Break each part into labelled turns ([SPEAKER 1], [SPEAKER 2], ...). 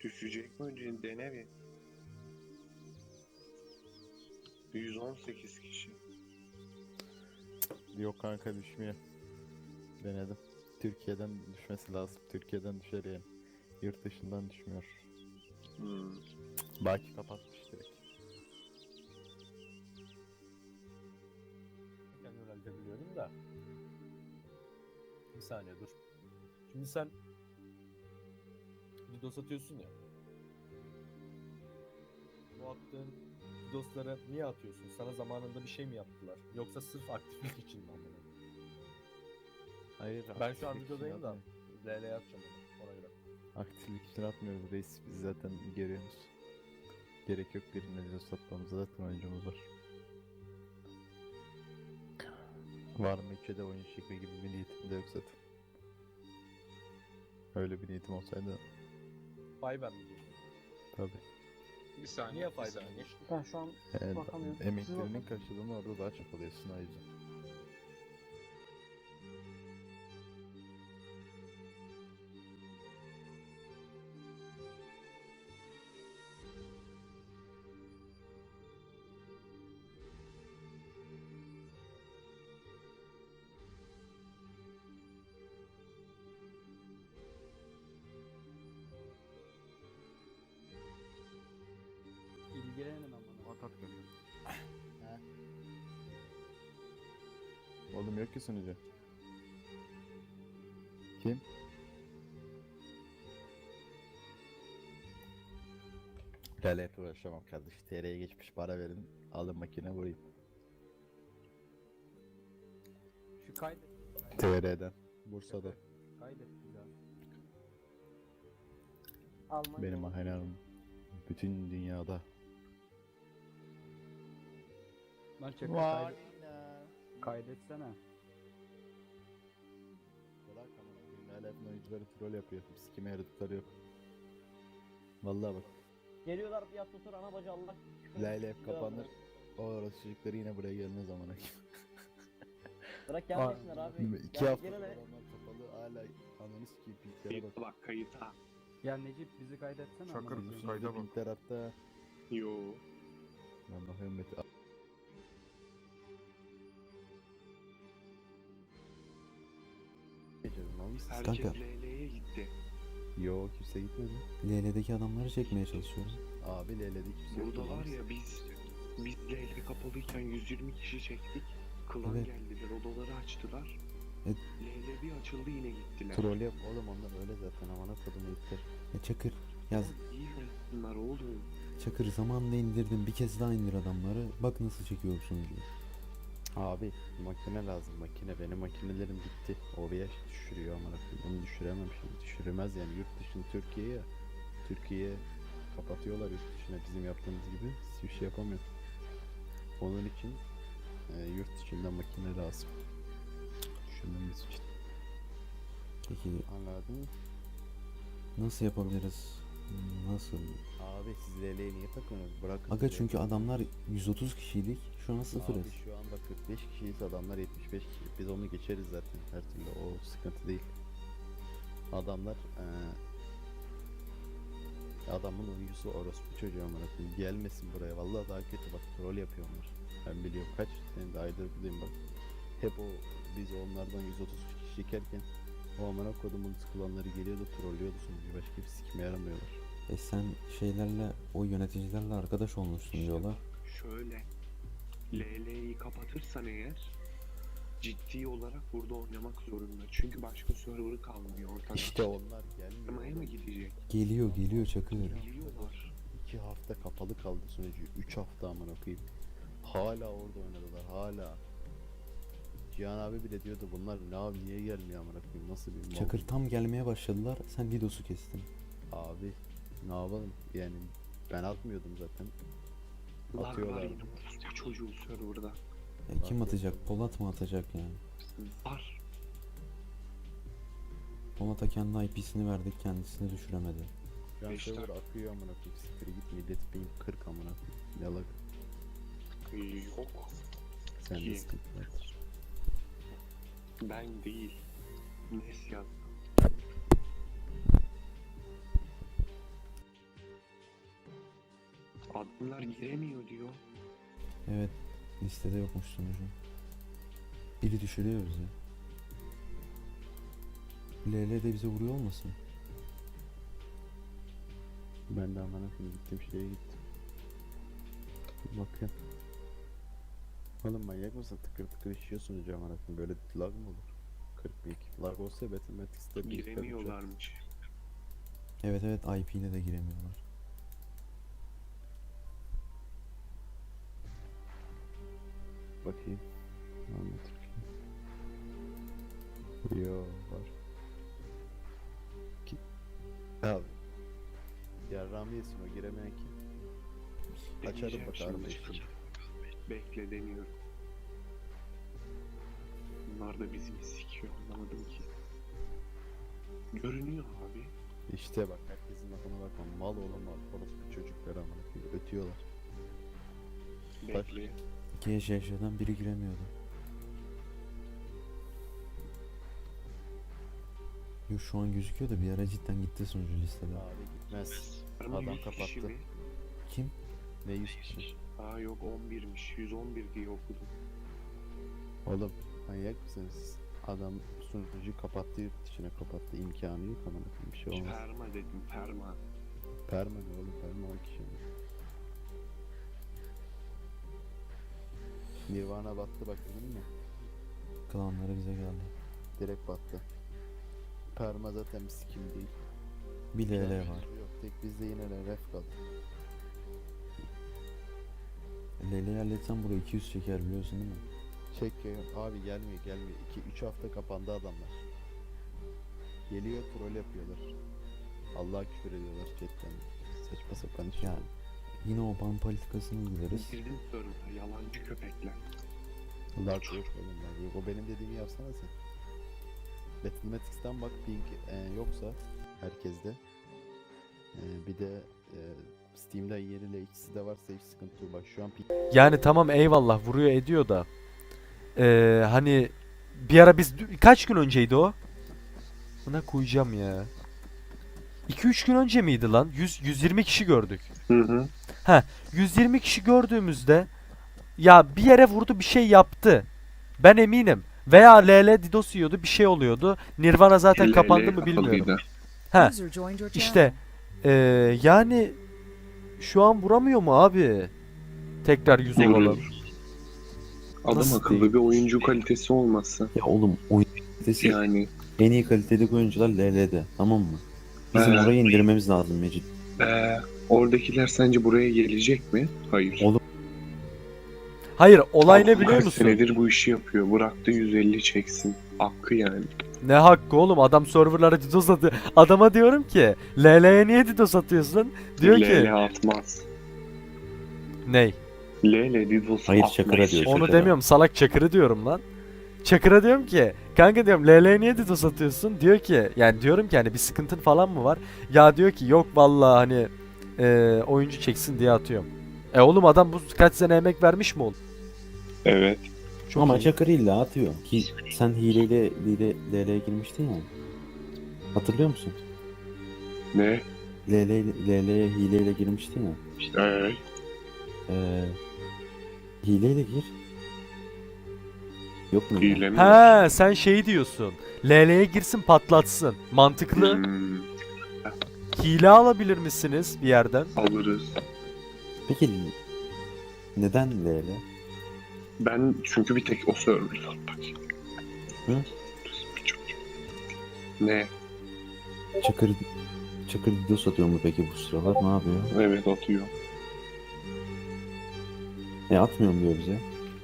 [SPEAKER 1] Düşecek mi önce dene bir. 118 kişi.
[SPEAKER 2] Yok kanka düşmüyor. Denedim. Türkiye'den düşmesi lazım. Türkiye'den düşer yani. Yurt dışından düşmüyor. Baki kapatmış direkt.
[SPEAKER 3] Kendi herhalde biliyorum da. Bir saniye dur. Şimdi sen DDoS atıyorsun ya. Bu attığın DDoS'ları niye atıyorsun? Sana zamanında bir şey mi yaptılar? Yoksa sırf aktiflik için mi amına?
[SPEAKER 2] Hayır.
[SPEAKER 3] Ben şu an
[SPEAKER 2] aktiflik için
[SPEAKER 3] videodayım da
[SPEAKER 2] atmıyor.
[SPEAKER 3] LL'ye atacağım onu ona göre.
[SPEAKER 2] Aktiflik için atmıyoruz reis. Biz zaten görüyoruz. Gerek yok birine de satmamıza, zaten oyuncumuz var. Var mı ülkede oyun çekme gibi bir niyetim de yok zaten. Öyle bir niyetim olsaydı
[SPEAKER 3] Fiverr mi diyorsun?
[SPEAKER 2] tabi.
[SPEAKER 4] Bir saniye.
[SPEAKER 3] Niye
[SPEAKER 4] bir
[SPEAKER 3] Fiverr
[SPEAKER 4] saniye.
[SPEAKER 3] mi?
[SPEAKER 5] Ben şu an bakamıyorum. Siz
[SPEAKER 2] Emeklerinin
[SPEAKER 5] bakın.
[SPEAKER 2] karşılığını orada daha çok alıyorsun o yüzden.
[SPEAKER 5] İlgilenin amına.
[SPEAKER 2] Atak geliyor. Oğlum yok ki sunucu. Kim? Lale uğraşamam kardeş. TR'ye geçmiş para verin. Alın makine vurayım.
[SPEAKER 5] Şu kaydet.
[SPEAKER 2] TR'den. Bursa'da.
[SPEAKER 5] Kaydet bir daha. Almanya.
[SPEAKER 2] Benim makinelerim bütün dünyada.
[SPEAKER 5] Lan çakır kaydet. Kaydetsene.
[SPEAKER 2] Bırak ama Lale oyuncuları troll yapıyor. Sikime yaratıkları yok. Vallahi bak.
[SPEAKER 6] Geliyorlar fiyat tutur ana bacı Allah.
[SPEAKER 2] Lale hep kapanır. O orası çocukları yine buraya gelmez zamana.
[SPEAKER 6] Bırak gelmesinler abi.
[SPEAKER 2] 2
[SPEAKER 6] Ya
[SPEAKER 2] hafta
[SPEAKER 6] gene de-
[SPEAKER 2] adamlar kapalı hala ananı sikeyim pinklere bak.
[SPEAKER 1] Kayıta bak kayıta.
[SPEAKER 5] Ya Necip bizi kaydetsene.
[SPEAKER 4] Çakır
[SPEAKER 5] amına
[SPEAKER 2] Bizim
[SPEAKER 5] koyayım.
[SPEAKER 4] kayda
[SPEAKER 2] sunucu
[SPEAKER 4] bak.
[SPEAKER 2] pinkler hatta.
[SPEAKER 1] Yo.
[SPEAKER 2] Ben bakıyorum Mete. Geçelim lan.
[SPEAKER 1] Herkes
[SPEAKER 7] Kanka.
[SPEAKER 1] LL'ye gitti.
[SPEAKER 2] Yo kimse gitmedi.
[SPEAKER 7] LL'deki adamları çekmeye çalışıyorum.
[SPEAKER 2] Abi LL'de kimse yok.
[SPEAKER 1] Burada var ya biz LL kapalıyken 120 kişi çektik. Klan
[SPEAKER 7] Evet.
[SPEAKER 1] geldiler, odaları açtılar.
[SPEAKER 7] Evet.
[SPEAKER 1] LL bir açıldı yine gittiler.
[SPEAKER 2] Troll yap oğlum, onlar öyle zaten, amına kodum ittir.
[SPEAKER 7] Çakır yaz.
[SPEAKER 1] İyi versinler oğlum.
[SPEAKER 7] Çakır zamanında indirdim. Bir kez daha indir adamları. Bak nasıl çekiyor sunucuyu.
[SPEAKER 2] Abi makine lazım, makine. Benim makinelerim bitti. OBS düşürüyor amına koyayım. Bunu düşüremem şimdi. Düşüremez yani, yurt dışını Türkiye'ye. Türkiye'ye kapatıyorlar yurt dışına, bizim yaptığımız gibi. Hiçbir şey yapamıyor. Onun için yurt dışından makine lazım. Düşünmemiz için.
[SPEAKER 7] Peki
[SPEAKER 2] Anladın mı?
[SPEAKER 7] nasıl yapabiliriz? Nasıl?
[SPEAKER 2] Abi siz LL'ye niye takıyorsunuz? Bırakın.
[SPEAKER 7] Aga
[SPEAKER 2] siz
[SPEAKER 7] çünkü
[SPEAKER 2] LL'yi.
[SPEAKER 7] adamlar 130 kişiydik. Şu an sıfırız.
[SPEAKER 2] Abi şu anda 45 kişiyiz, adamlar 75 kişi. Biz onu geçeriz zaten her türlü, o sıkıntı değil. Adamlar adamın oyuncusu orospu çocuğu amına koyayım. Gelmesin buraya, vallahi daha kötü, bak troll yapıyorlar. Ben biliyorum, kaç senin de aydır buradayım bak. Hep o, biz onlardan 130 kişi çekerken o amına kodumun sıkılanları geliyordu, trollüyordu sonucu, başka bir sikime yaramıyorlar.
[SPEAKER 7] Sen şeylerle, o yöneticilerle arkadaş olmuşsun diyorlar.
[SPEAKER 1] Şöyle. LL'yi kapatırsan eğer ciddi olarak burada oynamak zorunda. Çünkü başka server'ı kalmıyor ortada.
[SPEAKER 2] İşte onlar gelmiyor.
[SPEAKER 1] Sinemaya mı gidecek?
[SPEAKER 7] Geliyor Çakır.
[SPEAKER 1] Biliyorlar.
[SPEAKER 2] 2 hafta kapalı kaldı sunucu. 3 hafta amına koyayım. Hala orada oynadılar, hala. Cihan abi bile diyordu, bunlar ne abi, niye gelmiyor amına koyayım, nasıl bir mal.
[SPEAKER 7] Çakır tam gelmeye başladılar. Sen DDoS'u kestin.
[SPEAKER 2] Abi ne yapalım yani, ben atmıyordum zaten.
[SPEAKER 1] Lag var
[SPEAKER 2] Atıyorlar.
[SPEAKER 1] yine bu çocuğu server'da.
[SPEAKER 7] Kim atacak? Polat mı atacak yani?
[SPEAKER 1] Var.
[SPEAKER 7] Polat'a kendi IP'sini verdik, kendisini düşüremedi.
[SPEAKER 2] Şu an
[SPEAKER 1] Beşler.
[SPEAKER 2] server akıyor amına koyayım, siktir git, millet ping 40 amına koyayım. Ne lag,
[SPEAKER 1] Yok.
[SPEAKER 2] sende
[SPEAKER 1] İyi.
[SPEAKER 2] sıkıntı var.
[SPEAKER 1] Ben değil. Nes yazdı. Adamlar giremiyor diyor.
[SPEAKER 7] Evet. Listede yokmuş sonucu. Biri düşürüyor bizi. LL de bize vuruyor olmasın?
[SPEAKER 2] Ben de amına koyayım gittim şeye gittim. Bir bakayım. Oğlum manyak mısın? Tıkır tıkır işiyorsunuz amına koyayım. Böyle lag mı olur? 42. Lag olsa Mathematic'te bir
[SPEAKER 1] Giremiyorlarmış.
[SPEAKER 7] Evet evet, IP ile de giremiyorlar.
[SPEAKER 2] bakayım. Var mı Türkiye? Yo var. Ki... Abi. Ya Rami yesin o giremeyen kim? Açarım
[SPEAKER 1] Deneyeceğim
[SPEAKER 2] bakarım
[SPEAKER 1] şimdi.
[SPEAKER 2] işte.
[SPEAKER 1] Bekle deniyorum. Bunlar da bizi mi sikiyor anlamadım ki. Görünüyor abi.
[SPEAKER 2] İşte bak herkesin lafına bakma. Mal olamaz. Orospu çocuklar amına koyayım. Ötüyorlar.
[SPEAKER 1] Bekle.
[SPEAKER 7] İki eşyadan biri giremiyordu. Yo, şu an gözüküyor da bir ara cidden gitti sonucu listede.
[SPEAKER 2] Abi gitmez.
[SPEAKER 1] Ama
[SPEAKER 2] Adam
[SPEAKER 1] 100 kişi
[SPEAKER 2] kapattı.
[SPEAKER 1] mi?
[SPEAKER 7] Kim?
[SPEAKER 2] Ne 100 kişi?
[SPEAKER 1] Aa yok 11'miş. 111 diye okudum.
[SPEAKER 2] Oğlum manyak mısınız siz? Adam sunucuyu kapattı, yurt dışına kapattı. İmkanı yok amına koyayım, bir şey olmaz.
[SPEAKER 1] Perma dedim perma.
[SPEAKER 2] Perma ne oğlum? Perma 10 kişi mi? Nirvana battı bak değil mi?
[SPEAKER 7] Klanları bize geldi.
[SPEAKER 2] Direkt battı. Perma zaten bir sikim değil.
[SPEAKER 7] Bir LL var.
[SPEAKER 2] Yok tek bizde yine de ref kaldı.
[SPEAKER 7] LL'yi halletsem buraya 200 çeker, biliyorsun değil mi?
[SPEAKER 2] Çek ya abi, gelmiyor. 2-3 hafta kapandı adamlar. Geliyor troll yapıyorlar. Allah'a küfür ediyorlar chatten. Saçma sapan iş.
[SPEAKER 7] Yani yine o ban politikasını uygulariz.
[SPEAKER 1] Girdim server'a yalancı köpekler.
[SPEAKER 2] Lag yok oğlum, lag yok. O benim dediğimi yapsana sen. Mathematics'ten bak ping yoksa herkeste. Bir de Steam'den yeriyle ikisi de varsa hiç sıkıntı yok. Bak şu an ping
[SPEAKER 4] Yani tamam eyvallah vuruyor ediyor da. Hani bir ara biz kaç gün önceydi o? Buna koyacağım ya. 2-3 gün önce miydi lan? 120 kişi gördük.
[SPEAKER 1] Hı hı.
[SPEAKER 4] 120 kişi gördüğümüzde ya bir yere vurdu bir şey yaptı. Ben eminim. Veya LL DDoS yiyordu bir şey oluyordu. Nirvana zaten
[SPEAKER 1] LL
[SPEAKER 4] kapandı mı bilmiyorum.
[SPEAKER 1] kapalıydı.
[SPEAKER 4] Ha
[SPEAKER 8] User joined your
[SPEAKER 4] işte yani şu an vuramıyor mu abi? Tekrar 100 olalım.
[SPEAKER 1] Vuruyor. Adam
[SPEAKER 4] Nasıl
[SPEAKER 1] akıllı
[SPEAKER 4] değil?
[SPEAKER 1] bir oyuncu kalitesi olmasa.
[SPEAKER 7] Ya oğlum, oyun kalitesi
[SPEAKER 1] Yani
[SPEAKER 7] en iyi kalitedeki oyuncular LL'de, tamam mı? Bizim
[SPEAKER 1] He.
[SPEAKER 7] orayı indirmemiz lazım Mecit.
[SPEAKER 1] oradakiler sence buraya gelecek mi? Hayır.
[SPEAKER 7] Oğlum,
[SPEAKER 4] Hayır olay ne
[SPEAKER 1] Adam
[SPEAKER 4] biliyor
[SPEAKER 1] kaç
[SPEAKER 4] musun?
[SPEAKER 1] senedir bu işi yapıyor. Bıraktı 150 çeksin. Hakkı yani.
[SPEAKER 4] Ne hakkı oğlum adam serverlara DDoS atıyor. Adama diyorum ki LL'ye niye DDoS atıyorsun? Diyor ki
[SPEAKER 1] LL atmaz.
[SPEAKER 4] ney?
[SPEAKER 1] LL DDoS
[SPEAKER 7] Hayır,
[SPEAKER 1] atmaz.
[SPEAKER 7] Çakır'a diyor.
[SPEAKER 4] Onu
[SPEAKER 7] Çakır'a.
[SPEAKER 4] demiyorum salak Çakır'ı diyorum lan. Çakır'a diyorum ki kanka diyorum LL'ye niye DDoS atıyorsun? Diyor ki yani diyorum ki hani bir sıkıntın falan mı var? Ya diyor ki yok vallahi hani oyuncu çeksin diye atıyorum. Oğlum adam bu kaç sene emek vermiş mi oğlum?
[SPEAKER 1] Evet.
[SPEAKER 4] Çok
[SPEAKER 7] ama
[SPEAKER 4] iyi.
[SPEAKER 7] Çakır illa atıyor. Ki sen hileyle LL'ye girmiştin ya. Hatırlıyor musun?
[SPEAKER 1] Ne?
[SPEAKER 7] LL'ye hileyle girmiştin ya.
[SPEAKER 1] Evet.
[SPEAKER 7] Hileyle gir. Yok mu?
[SPEAKER 1] Hile mi?
[SPEAKER 4] He sen şey diyorsun. LL'ye girsin patlatsın. Mantıklı.
[SPEAKER 1] Hmm,
[SPEAKER 4] Hile alabilir misiniz bir yerden?
[SPEAKER 1] alırız.
[SPEAKER 7] Peki neden LL?
[SPEAKER 1] Ben çünkü bir tek o server bakayım.
[SPEAKER 7] Hı?
[SPEAKER 1] Ne?
[SPEAKER 7] Çakır DDoS atıyor mu peki bu sıralar? Ne yapıyor?
[SPEAKER 1] Evet atıyor.
[SPEAKER 7] Atmıyorum diyor bize.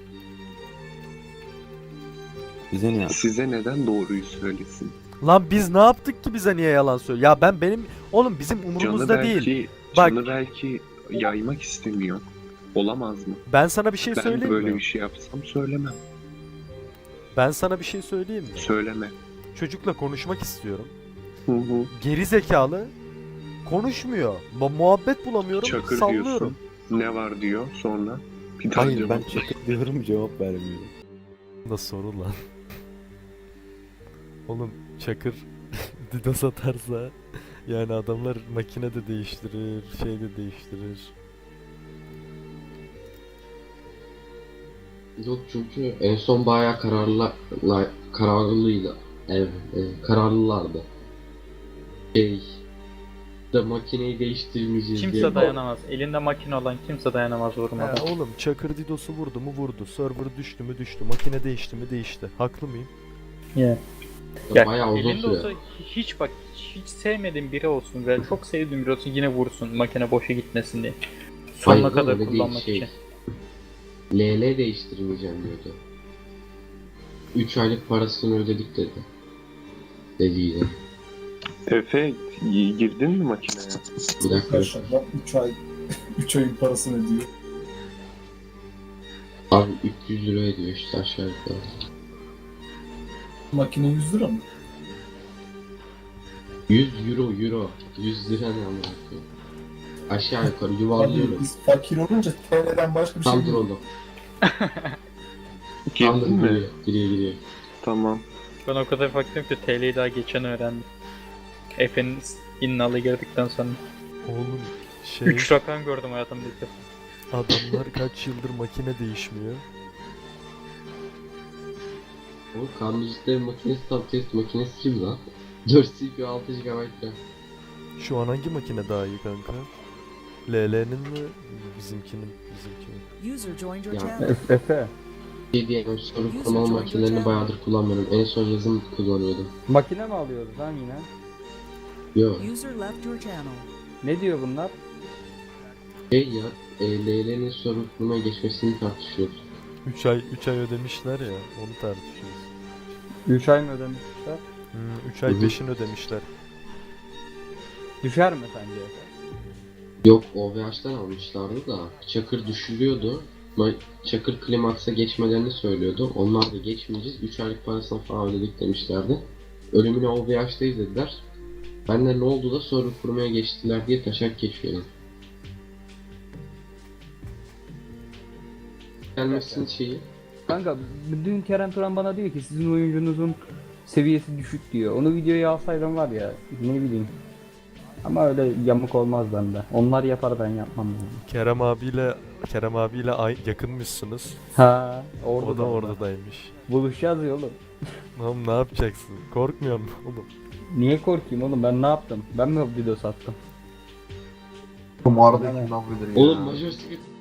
[SPEAKER 7] Bize ne?
[SPEAKER 1] Size neden doğruyu söylesin?
[SPEAKER 4] Lan biz ne yaptık ki bize niye yalan söylüyor? Ya benim oğlum bizim
[SPEAKER 1] Canı
[SPEAKER 4] umurumuzda
[SPEAKER 1] belki,
[SPEAKER 4] değil. Bak-
[SPEAKER 1] canı belki yaymak istemiyor. Olamaz mı?
[SPEAKER 4] Ben sana bir şey
[SPEAKER 1] Ben de
[SPEAKER 4] söyleyeyim
[SPEAKER 1] böyle
[SPEAKER 4] mi?
[SPEAKER 1] bir şey yapsam söylemem.
[SPEAKER 4] Ben sana bir şey söyleyeyim mi?
[SPEAKER 1] Söyleme.
[SPEAKER 4] Çocukla konuşmak istiyorum.
[SPEAKER 1] Hı hı.
[SPEAKER 4] Geri zekalı konuşmuyor. Muhabbet bulamıyorum.
[SPEAKER 1] Çakır
[SPEAKER 4] sallıyorum.
[SPEAKER 1] diyorsun. Ne var diyor sonra. Bir daha
[SPEAKER 7] Hayır, ben
[SPEAKER 1] cevap-
[SPEAKER 7] Çakır diyorum, cevap vermiyor.
[SPEAKER 4] Da soru lan. Oğlum Çakır DDoS atarsa yani adamlar makine de değiştirir, şey de değiştirir.
[SPEAKER 8] Yok çünkü en son bayağı kararlıydı. Evet, kararlılardı. De makineyi değiştirmeyeceğiz diye.
[SPEAKER 9] Kimse dayanamaz. Elinde makine olan kimse dayanamaz
[SPEAKER 4] Ha,
[SPEAKER 9] vurmadan.
[SPEAKER 4] oğlum Çakır Didos'u vurdu mu vurdu. Server düştü mü düştü. Makine değişti mi değişti. Haklı mıyım?
[SPEAKER 9] Ya. Ya,
[SPEAKER 8] Bayağı uzun
[SPEAKER 9] elinde
[SPEAKER 8] süre.
[SPEAKER 9] olsa hiç bak hiç sevmediğin biri olsun ve çok sevdiğin biri olsun yine vursun makine boşa gitmesin diye. Sonuna
[SPEAKER 8] Hayır,
[SPEAKER 9] kadar
[SPEAKER 8] öyle değil,
[SPEAKER 9] kullanmak
[SPEAKER 8] şey.
[SPEAKER 9] için.
[SPEAKER 8] LL değiştirmeyeceğim diyordu. 3 aylık parasını ödedik dedi. Dediydi.
[SPEAKER 1] Efe girdin mi makineye?
[SPEAKER 8] Bir dakika.
[SPEAKER 10] 3 ayın parasını ödüyor.
[SPEAKER 8] Abi 300 lira ediyor işte aşağı yukarı.
[SPEAKER 10] Makine 100 lira mı?
[SPEAKER 8] 100 euro. 100 lira ne amına koyayım. Aşağı yukarı yuvarlıyorum.
[SPEAKER 10] Biz fakir olunca TL'den başka bir şey
[SPEAKER 8] Tam
[SPEAKER 10] değil.
[SPEAKER 8] oğlum. Tam
[SPEAKER 1] Girdin mi?
[SPEAKER 8] Giriyor.
[SPEAKER 1] Tamam.
[SPEAKER 9] Ben o kadar baktım ki TL'yi daha geçen öğrendim. Efe'nin innalı girdikten sonra.
[SPEAKER 4] Oğlum
[SPEAKER 9] 3 rakam gördüm hayatımda ilk defa.
[SPEAKER 4] adamlar kaç yıldır makine değişmiyor.
[SPEAKER 8] O kanuncuların makinesi tam test makinesi kim lan? 4 CPU 6 GB RAM.
[SPEAKER 4] Şu an hangi makine daha iyi kanka? LL'nin mi? Bizimkinin.
[SPEAKER 11] User joined your
[SPEAKER 8] Ya.
[SPEAKER 11] channel.
[SPEAKER 3] Efe.
[SPEAKER 8] DDM soru kurmalı makinelerini bayağıdır kullanmıyorum. En son yazım kullanıyordum.
[SPEAKER 5] Makine mi alıyoruz lan yine?
[SPEAKER 8] Yo.
[SPEAKER 11] User left your channel.
[SPEAKER 5] Ne diyor bunlar?
[SPEAKER 8] Şey ya, LL'nin soru kurmaya geçmesini tartışıyoruz.
[SPEAKER 4] 3 ay ödemişler ya. Onu tartışıyoruz.
[SPEAKER 5] 3 ay mı ödemişler?
[SPEAKER 4] 3 ay
[SPEAKER 8] Hı hı.
[SPEAKER 4] peşin ödemişler.
[SPEAKER 5] Düşer mi sence?
[SPEAKER 8] Yok, OVH'tan almışlardı da Çakır düşürüyordu. Çakır klimaksa geçmelerini söylüyordu. Onlar da geçmeyeceğiz. 3 aylık parasını falan ödedik demişlerdi. Ölümüne OVH'dayız dediler. Ben de ne oldu da soru kurmaya geçtiler diye taşak geçiyorum. Gelmesin şeyi.
[SPEAKER 5] Kanka dün Kerem Turan bana diyor ki sizin oyuncunuzun seviyesi düşük diyor. Onu videoya alsaydım var ya ne bileyim. Ama öyle yamuk olmaz bende. Onlar yapar ben yapmam yani.
[SPEAKER 4] Kerem abiyle yakınmışsınız.
[SPEAKER 5] Ha, orada
[SPEAKER 4] O da oradaymış.
[SPEAKER 5] Buluşacağız ya oğlum.
[SPEAKER 4] Oğlum ne yapacaksın? Korkmuyor musun oğlum?
[SPEAKER 5] Niye korkayım oğlum ben ne yaptım? Ben mi video sattım?
[SPEAKER 10] Bu mağaradaki lan bilir ya.
[SPEAKER 8] Oğlum Major Secret